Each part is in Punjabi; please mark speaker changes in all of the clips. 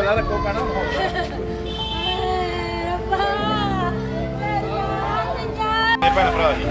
Speaker 1: हौसला रखो कहना भैन भरा जी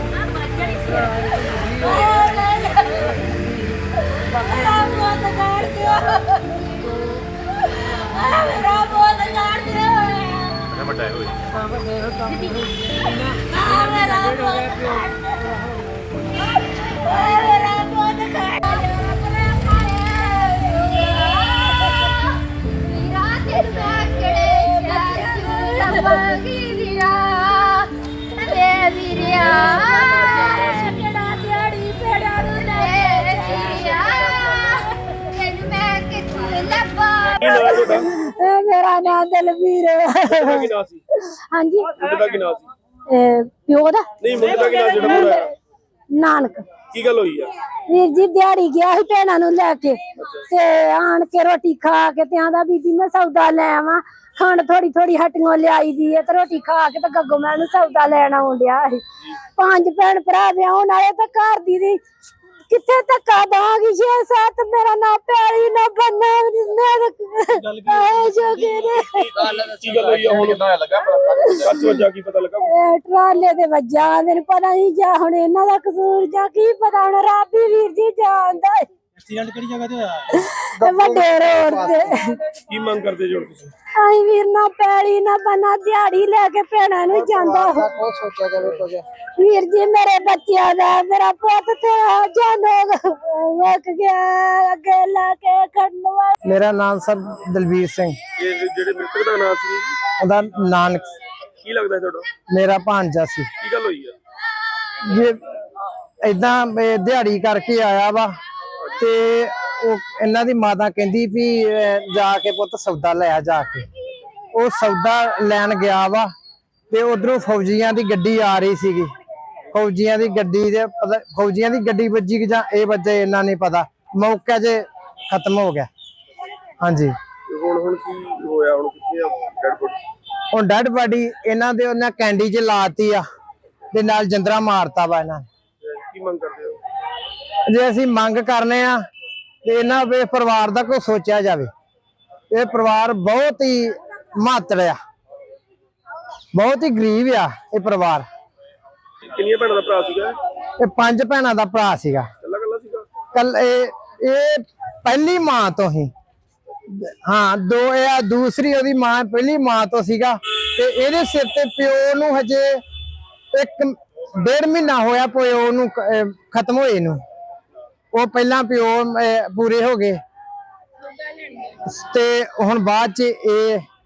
Speaker 2: मेरा नाम दलवीर हाँ जी प्यो दा नानक
Speaker 1: की गल हुई है
Speaker 2: वीर जी दिहाड़ी गया ही भैणा नूं लैके ते आण के रोटी खा के ते आंदा बीबी मैं सौदा ले आवां खंड थोड़ी थोड़ी हट्टियों लियाई दी है ते रोटी खा के ते गग्गो मैं सौदा लैन आउण डिया सी 5 भैन भरा ब्याहण आए ते घर दी किथे धक्का दांगी 6-7 मेरा ना प्यारी ना बनना ट्राले दे वजा मेरे पता नहीं जा हुण इन्हां दा कसूर जा की पता हुण रब ही वीर जी जानदा
Speaker 1: एक्सीडेंट किहड़ी जगह ते होया
Speaker 2: वड्डे रोड ते
Speaker 1: की मंग करदे जो तुसीं
Speaker 2: आई वीर ना पैली ना बना दिहाड़ी लेके भैणा नूं जांदा
Speaker 3: कोई सोचा जावे कुछ
Speaker 2: वीर जी मेरे बच्चियां दा मेरा पुੱਤ ते जानो वक गया अगे लाके खड़नवा
Speaker 3: मेरा नाम सर दलवीर सिंह
Speaker 1: ਇਹ ਜਿਹੜੇ ਮ੍ਰਿਤਕ ਦਾ ਨਾਮ ਸੀ
Speaker 3: ਉਹਦਾ ਨਾਨਕ
Speaker 1: ਕੀ ਲੱਗਦਾ ਤੁਹਾਡਾ
Speaker 3: ਮੇਰਾ ਭਾਂਜਾ ਸੀ
Speaker 1: ਕੀ ਗੱਲ ਹੋਈ ਆ
Speaker 3: ਜੇ ਇਦਾਂ ਦਿਹਾੜੀ ਕਰਕੇ ਆਇਆ ਵਾ ਤੇ ਉਹ ਇਹਨਾਂ ਦੀ ਮਾਤਾ ਕਹਿੰਦੀ ਵੀ ਜਾ ਕੇ ਪੁੱਤ ਸੌਦਾ ਲੈ ਆ ਜਾ ਕੇ ਉਹ ਸੌਦਾ ਲੈਣ ਗਿਆ ਵਾ ਤੇ ਉਧਰੋਂ ਫੌਜੀਆਂ ਦੀ ਗੱਡੀ ਆ ਰਹੀ ਸੀਗੀ ਫੌਜੀਆਂ ਦੀ ਗੱਡੀ ਦੇ ਫੌਜੀਆਂ ਦੀ ਗੱਡੀ ਵੱਜੀ ਕਿ ਜਾਂ ਇਹ ਵੱਜੇ ਇਹਨਾਂ ਨਹੀਂ ਪਤਾ ਮੌਕੇ 'ਚ ਖਤਮ ਹੋ ਗਿਆ ਹਾਂਜੀ
Speaker 1: ਹੁਣ ਕੀ ਹੋਇਆ ਹੁਣ ਕਿੱਥੇ ਆ ਡੈਡ ਬੋਡੀ
Speaker 3: ਹੁਣ ਡੈਡ ਬਾਡੀ ਇਹਨਾਂ ਦੇ ਉਹਨਾਂ ਕੈਂਡੀ 'ਚ ਲਾਤੀ ਆ ਤੇ ਨਾਲ ਜੰਦਰਾ ਮਾਰਤਾ ਵਾ ਇਹਨਾਂ
Speaker 1: ਕੀ ਮੰਗ ਕਰਦੇ ਹੋ
Speaker 3: ਜੇ ਅਸੀਂ ਮੰਗ ਕਰਨੇ ਆ ਤੇ ਇਹਨਾਂ ਦੇ ਪਰਿਵਾਰ ਦਾ ਕੋਈ ਸੋਚਿਆ ਜਾਵੇ ਇਹ ਪਰਿਵਾਰ ਬਹੁਤ ਹੀ ਮਾਤੜ ਆ ਬਹੁਤ ਹੀ ਗਰੀਬ ਆ ਇਹ ਪਰਿਵਾਰ
Speaker 1: ਕਿੰਨੀਆਂ ਭੈਣਾਂ ਦਾ ਭਰਾ ਸੀਗਾ
Speaker 3: ਇਹ 5 ਭੈਣਾਂ ਦਾ ਭਰਾ ਸੀਗਾ
Speaker 1: ਕੱਲਾ ਕੱਲਾ ਸੀਗਾ
Speaker 3: ਕੱਲ ਇਹ ਪਹਿਲੀ ਮਾਂ ਤੋਂ ਹੀ ਹਾਂ ਦੋ ਇਹ ਦੂਸਰੀ ਉਹਦੀ ਮਾਂ ਪਹਿਲੀ ਮਾਂ ਤੋਂ ਸੀਗਾ ਤੇ ਇਹਦੇ ਸਿਰ ਤੇ ਪਿਓ ਨੂੰ ਹਜੇ 1.5 ਮਹੀਨਾ ਹੋਇਆ ਪਿਓ ਨੂੰ ਖਤਮ ਹੋਏ ਨੂੰ ਉਹ ਪਹਿਲਾਂ ਪਿਓ ਪੂਰੇ ਹੋ ਗਏ ਤੇ ਹੁਣ ਬਾਅਦ ਚ ਇਹ